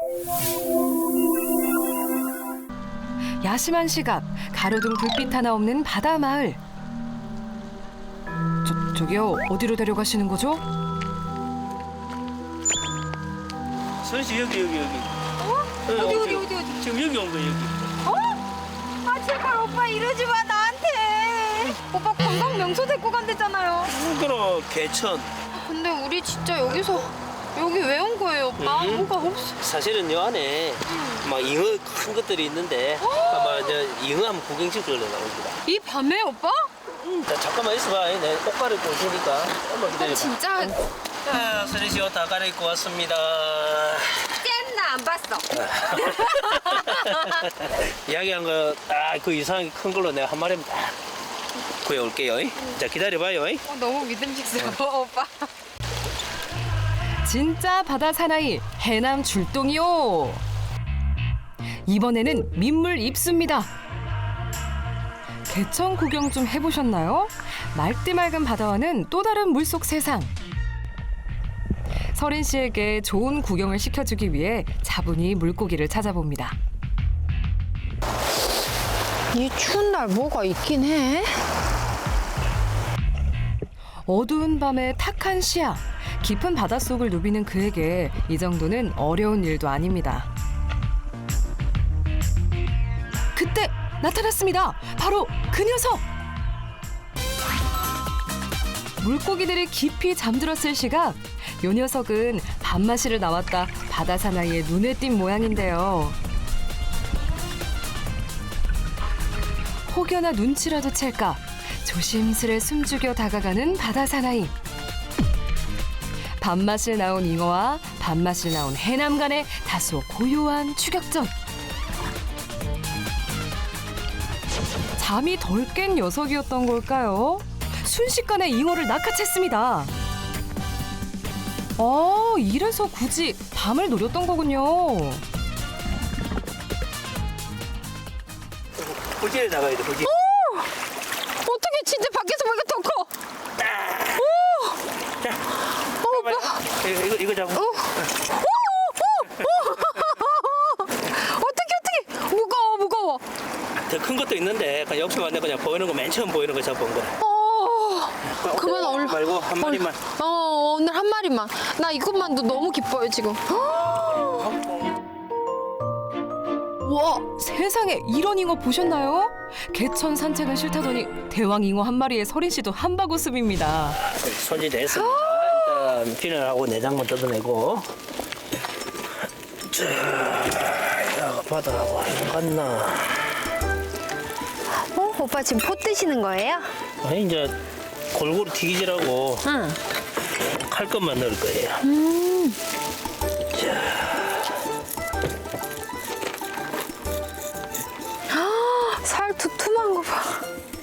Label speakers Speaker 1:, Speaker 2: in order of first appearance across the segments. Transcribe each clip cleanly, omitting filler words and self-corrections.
Speaker 1: 야심한 시각, 가로등 불빛 하나 없는 바다 마을. 저기요, 어디로 데려가시는 거죠?
Speaker 2: 선씨 여기.
Speaker 3: 어디?
Speaker 2: 지금 여기 온 거야 여기.
Speaker 3: 아 제발 오빠 이러지 마 나한테. 오빠 관광 명소 데리고 간댔잖아요.
Speaker 2: 그럼 개천.
Speaker 3: 근데 우리 진짜 여기서 여기 왜 온 거예요 오빠? 뭐가 없어.
Speaker 2: 사실은 요 안에 막 잉어 큰 것들이 있는데 아마 저 잉어 한번 구경시키려 나옵니다.
Speaker 3: 이 밤에 오빠?
Speaker 2: 자, 잠깐만 있어봐. 내가 옷 갈아입고 올 테니까. 한번 기다려봐.
Speaker 3: 진짜
Speaker 2: 자, 선희 씨 옷 다 갈아입고 왔습니다.
Speaker 3: 나 안 봤어.
Speaker 2: 이야기한 거 딱 그 이상하게 큰 걸로 내가 한 마리만 딱 구해올게요. 자, 기다려봐요.
Speaker 3: 너무 믿음직스러워 오빠.
Speaker 1: 진짜 바다 사나이 해남 출동이요. 이번에는 민물 입수입니다. 개천 구경 좀 해보셨나요? 맑디 맑은 바다와는 또 다른 물속 세상. 서린 씨에게 좋은 구경을 시켜주기 위해 차분히 물고기를 찾아봅니다.
Speaker 3: 이 추운 날 뭐가 있긴 해?
Speaker 1: 어두운 밤의 탁한 시야, 깊은 바닷속을 누비는 그에게 이 정도는 어려운 일도 아닙니다. 그때 나타났습니다. 바로 그 녀석! 물고기들이 깊이 잠들었을 시각, 요 녀석은 밤마시를 나왔다 바다 사나이의 눈에 띈 모양인데요. 혹여나 눈치라도 챌까 조심스레 숨죽여 다가가는 바다 사나이. 밤맛을 나온 잉어와 밤맛을 나온 해남 간의 다소 고요한 추격전. 잠이 덜 깬 녀석이었던 걸까요? 순식간에 잉어를 낚아챘습니다. 이래서 굳이 밤을 노렸던 거군요.
Speaker 2: 호지에 나가야 돼, 호지.
Speaker 3: 어떻게 진짜 밖에서 보니까 더 커.
Speaker 2: 자,
Speaker 3: 오빠.
Speaker 2: 이거 잡고.
Speaker 3: 어떻게 무거워.
Speaker 2: 더 큰 것도 있는데 그냥 옆에 왔네 그냥 보이는 거 맨 처음 보이는 거 잡아온 거야.
Speaker 3: 그만 얼른
Speaker 2: 말고 한 마리만.
Speaker 3: 오늘 한 마리만. 나 이것만도 너무 기뻐요 지금.
Speaker 1: 와, 세상에 이런 잉어 보셨나요? 개천 산책은 싫다더니 대왕 잉어 한 마리에 서린 씨도 한바구음입니다.
Speaker 2: 손질됐습니다. 일단 비늘하고 내장만 뜯어내고. 자, 바다하고 갔나?
Speaker 3: 오빠 지금 포 뜨시는 거예요?
Speaker 2: 아니 이제 골고루 튀기지라고
Speaker 3: 응.
Speaker 2: 칼 것만 넣을 거예요. 자,
Speaker 3: 살 두툼한 거 봐.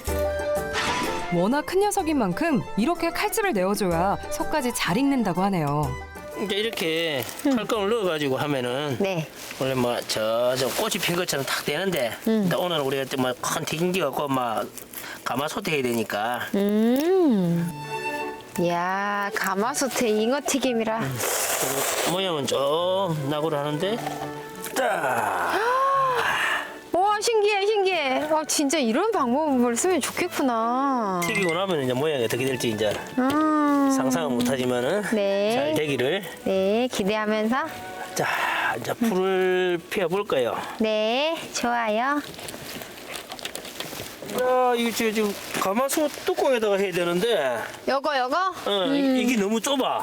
Speaker 1: 워낙 큰 녀석인 만큼 이렇게 칼집을 내어줘야 속까지 잘 익는다고 하네요.
Speaker 2: 이제 이렇게 칼감을 넣어가지고 하면은
Speaker 3: 네.
Speaker 2: 원래 뭐 저 꽃이 핀 것처럼 탁 되는데 근데 오늘 우리가 좀큰 튀김기 갖고 막 가마솥 해야 되니까
Speaker 3: 이야 가마솥에 잉어 튀김이라.
Speaker 2: 모양은 좀 나고를 하는데 딱
Speaker 3: 와 신기해. 진짜 이런 방법을 쓰면 좋겠구나.
Speaker 2: 튀기고 나면 이제 모양이 어떻게 될지 이제 상상은 못하지만은
Speaker 3: 네.
Speaker 2: 잘 되기를.
Speaker 3: 네 기대하면서.
Speaker 2: 자 이제 불을 피워볼 거예요.
Speaker 3: 네 좋아요.
Speaker 2: 야 이거 지금 가마솥 뚜껑에다가 해야 되는데
Speaker 3: 요거.
Speaker 2: 이게 너무 좁아.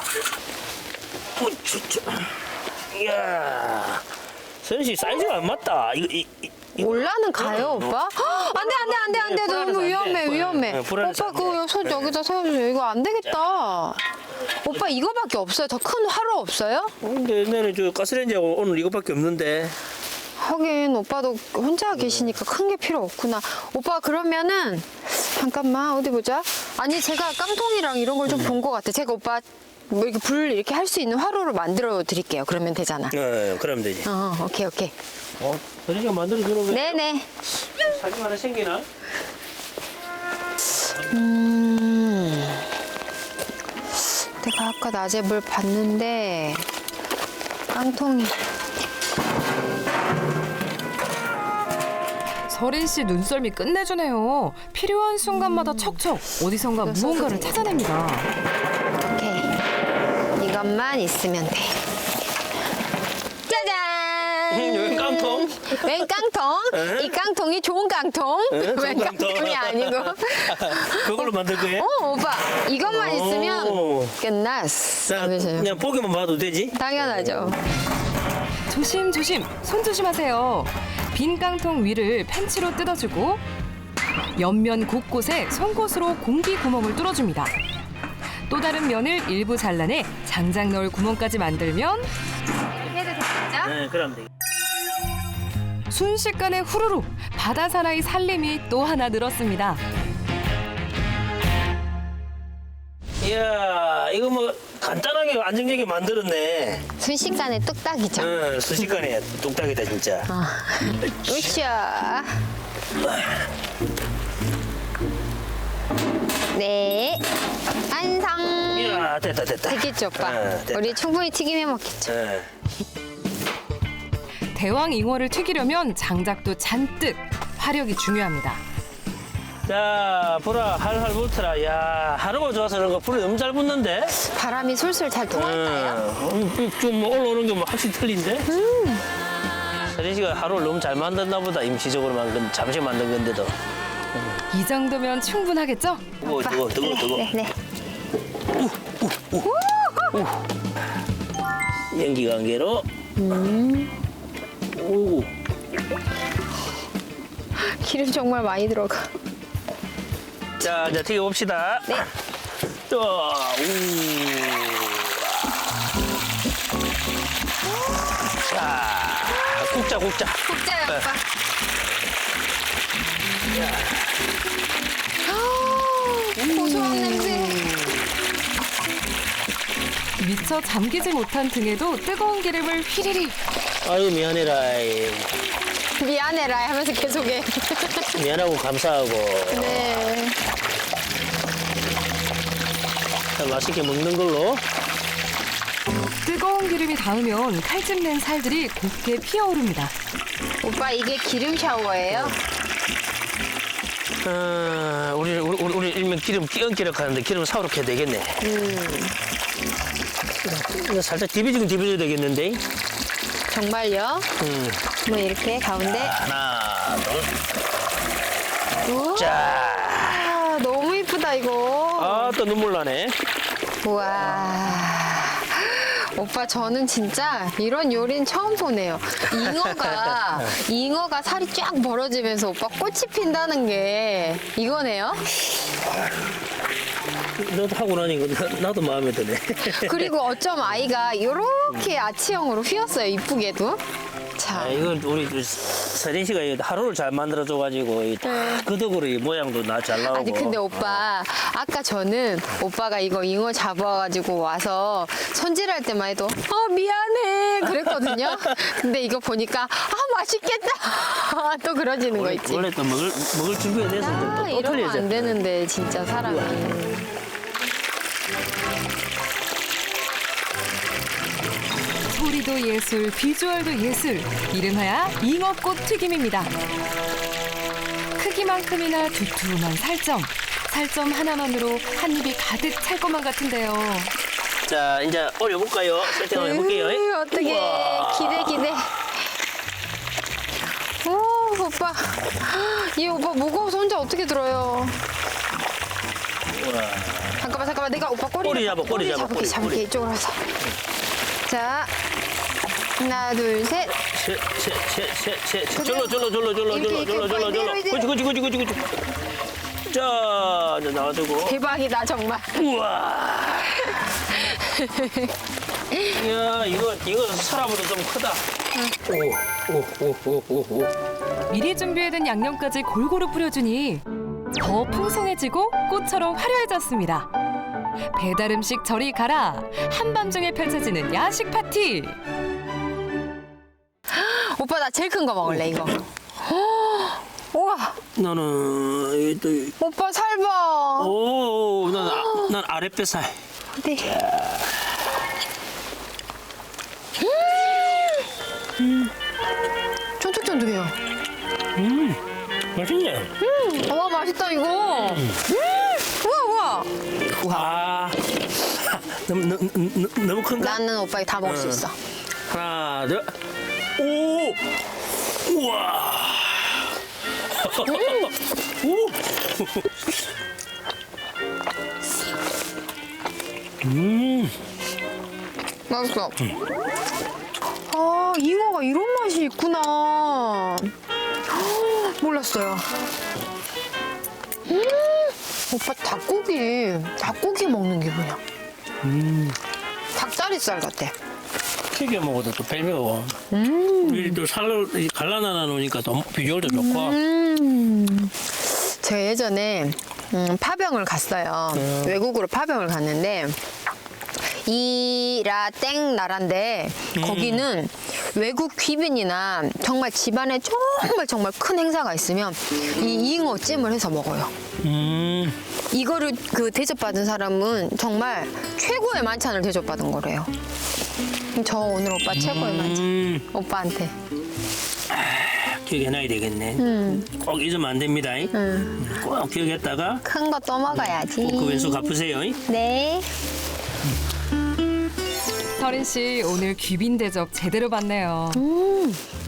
Speaker 2: 이야 선씨 사이즈가 안 맞다.
Speaker 3: 올라는 가요 오빠? 안돼
Speaker 2: 불안해서
Speaker 3: 너무
Speaker 2: 안 돼.
Speaker 3: 위험해.
Speaker 2: 네, 불안해서
Speaker 3: 오빠
Speaker 2: 안 돼.
Speaker 3: 그 손 여기다 세워주세요. 이거 안 되겠다. 오빠 이거밖에 없어요? 더 큰 화로 없어요?
Speaker 2: 근데 옛날에 저 가스레인지하고 오늘 이거밖에 없는데.
Speaker 3: 하긴 오빠도 혼자 계시니까 큰 게 필요 없구나. 오빠 그러면은 잠깐만 어디 보자. 아니 제가 깡통이랑 이런 걸 좀 본 것 같아. 제가 오빠 뭐 이렇게 불 이렇게 할 수 있는 화로를 만들어 드릴게요. 그러면 되잖아.
Speaker 2: 그러면 되지.
Speaker 3: 오케이.
Speaker 2: 선씨가 만들어 주는 거야.
Speaker 3: 네네.
Speaker 2: 사진 하나 생기나?
Speaker 3: 내가 아까 낮에 물 봤는데 깡통이
Speaker 1: 서린 씨 눈썰미 끝내주네요. 필요한 순간마다 척척 어디선가 무언가를 찾아냅니다.
Speaker 3: 오케이. 이것만 있으면 돼. 짜잔!
Speaker 2: 여기 깡통?
Speaker 3: 웬 깡통? 이 깡통이 좋은 깡통? 웬 깡통이 아니고.
Speaker 2: 그걸로 만들 거예요?
Speaker 3: 오빠 이것만
Speaker 2: 오.
Speaker 3: 있으면 끝났어.
Speaker 2: 자, 그냥 보기만 봐도 되지?
Speaker 3: 당연하죠.
Speaker 1: 조심조심 손 조심하세요. 빈 깡통 위를 펜치로 뜯어주고 옆면 곳곳에 송곳으로 공기 구멍을 뚫어줍니다. 또 다른 면을 일부 잘라내 장작 넣을 구멍까지 만들면
Speaker 3: 해도 되겠죠?
Speaker 2: 네, 그럼 돼.
Speaker 1: 순식간에 후루룩 바다 사나이 살림이 또 하나 늘었습니다.
Speaker 2: 이야, 이거 뭐 간단하게 안정되게 만들었네.
Speaker 3: 순식간에 뚝딱이죠.
Speaker 2: 응, 순식간에 뚝딱이다 진짜.
Speaker 3: 으쌰. 네. 완성.
Speaker 2: 이야, 됐다.
Speaker 3: 되겠죠, 오빠?
Speaker 2: 됐다.
Speaker 3: 우리 충분히 튀김해 먹겠죠.
Speaker 2: 네.
Speaker 1: 대왕 잉어를 튀기려면 장작도 잔뜩, 화력이 중요합니다.
Speaker 2: 자, 보라, 할할 불더라. 야, 하루가 좋아서 그런가 불이 너무 잘 붙는데?
Speaker 3: 바람이 솔솔 잘 통할까요?
Speaker 2: 좀뭐 올라오는 게 뭐 확실히 틀린데? 서린 씨가 하루를 너무 잘 만든다 보다. 임시적으로 잠시 만든 건데도.
Speaker 1: 이 정도면 충분하겠죠?
Speaker 2: 뜨거워.
Speaker 3: 네.
Speaker 2: 연기 관계로. 오.
Speaker 3: 기름 정말 많이 들어가.
Speaker 2: 자, 이제 튀겨봅시다.
Speaker 3: 네.
Speaker 2: 또, 우. 자, 굽자.
Speaker 3: 국자요,
Speaker 2: 네.
Speaker 3: 오빠. 고소한 냄새.
Speaker 1: 미처 잠기지 못한 등에도 뜨거운 기름을 휘리릭.
Speaker 2: 아유, 미안해라.
Speaker 3: 미안해라 하면서 계속해.
Speaker 2: 미안하고 감사하고.
Speaker 3: 네.
Speaker 2: 자, 맛있게 먹는 걸로.
Speaker 1: 뜨거운 기름이 닿으면 칼집 낸 살들이 곱게 피어오릅니다.
Speaker 3: 오빠 이게 기름 샤워예요?
Speaker 2: 우리 일명 기름 끼얹기라고 하는데 기름 사오렇게 해야 되겠네. 이거 살짝 디비지면 디비져야 되겠는데.
Speaker 3: 정말요? 뭐 이렇게 가운데.
Speaker 2: 하나, 둘.
Speaker 3: 우와,
Speaker 2: 자.
Speaker 3: 너무 이쁘다 이거.
Speaker 2: 아, 또 눈물 나네.
Speaker 3: 우와. 오빠 저는 진짜 이런 요리는 처음 보네요. 잉어가 살이 쫙 벌어지면서 오빠 꽃이 핀다는 게 이거네요.
Speaker 2: 너도 하고 나니까 나도 마음에 드네.
Speaker 3: 그리고 어쩜 아이가 이렇게 아치형으로 휘었어요. 이쁘게도. 자,
Speaker 2: 아, 이건 우리 서린 씨가 하루를 잘 만들어줘가지고 그 덕으로 이 모양도 잘 나오고.
Speaker 3: 아니 근데 오빠 아까 저는 오빠가 이거 잉어 잡아가지고 와서 손질할 때만 해도 미안해 그랬거든요. 근데 이거 보니까 맛있겠다 또 그러지는 거 있지.
Speaker 2: 원래 또 먹을 준비가 돼서 또
Speaker 3: 이러면
Speaker 2: 틀리죠.
Speaker 3: 안 되는데 진짜 사람이.
Speaker 1: 소리도 예술, 비주얼도 예술. 이름하여 잉어꽃 튀김입니다. 크기만큼이나 두툼한 살점. 살점 하나만으로 한 입이 가득 찰 것만 같은데요.
Speaker 2: 자, 이제 올려볼까요? 세팅을 해볼게요.
Speaker 3: 어떻게 기대. 오 오빠 이 오빠 무거워서 혼자 어떻게 들어요?
Speaker 2: 우와.
Speaker 3: 잠깐만 내가 오빠
Speaker 2: 꼬리 잡아, 꼬리 잡아, 꼬리.
Speaker 3: 잡을게 이쪽으로 와서. 자 하나 둘셋
Speaker 2: 셋. 절로. 그렇지. 자, 이제 놔두고.
Speaker 3: 대박이다 정말.
Speaker 2: 우와. 이야, 이거 사람보다 좀 크다. 오.
Speaker 1: 미리 준비해둔 양념까지 골고루 뿌려주니 더 풍성해지고 꽃처럼 화려해졌습니다. 배달 음식 저리 가라. 한밤중에 펼쳐지는 야식 파티.
Speaker 3: 오빠 나 제일 큰 거 먹을래 이거. 우와
Speaker 2: 나는 또
Speaker 3: 오빠 살 봐.
Speaker 2: 오, 난 아랫배살.
Speaker 3: 네. 쫀득쫀득해요.
Speaker 2: 맛있네.
Speaker 3: 와 맛있다 이거. 우와.
Speaker 2: 와. 너무 큰가?
Speaker 3: 나는 오빠 다 먹을 수 있어.
Speaker 2: 하나, 둘. 오! 우와! 오!
Speaker 3: 맛있어. 아 잉어가 이런 맛이 있구나. 몰랐어요. 오빠 닭고기 먹는 기분이야. 닭다리살 같아.
Speaker 2: 튀겨 먹어도 또 별미고. 우리 또 살로 갈라놔 놓으니까 또 비주얼도 좋고.
Speaker 3: 제가 예전에 파병을 갔어요. 외국으로 파병을 갔는데 이라땡 나라인데 거기는 외국 귀빈이나 정말 집안에 정말 큰 행사가 있으면 이 잉어 찜을 해서 먹어요. 이거를 그 대접받은 사람은 정말 최고의 만찬을 대접받은 거래요. 저 오늘 오빠 최고의 만찬. 오빠한테.
Speaker 2: 기억해놔야 되겠네. 꼭 잊으면 안 됩니다. 꼭 기억했다가
Speaker 3: 큰 거 또 먹어야지.
Speaker 2: 그 왼손 갚으세요.
Speaker 3: 네.
Speaker 1: 서린 씨 오늘 귀빈 대접 제대로 받네요.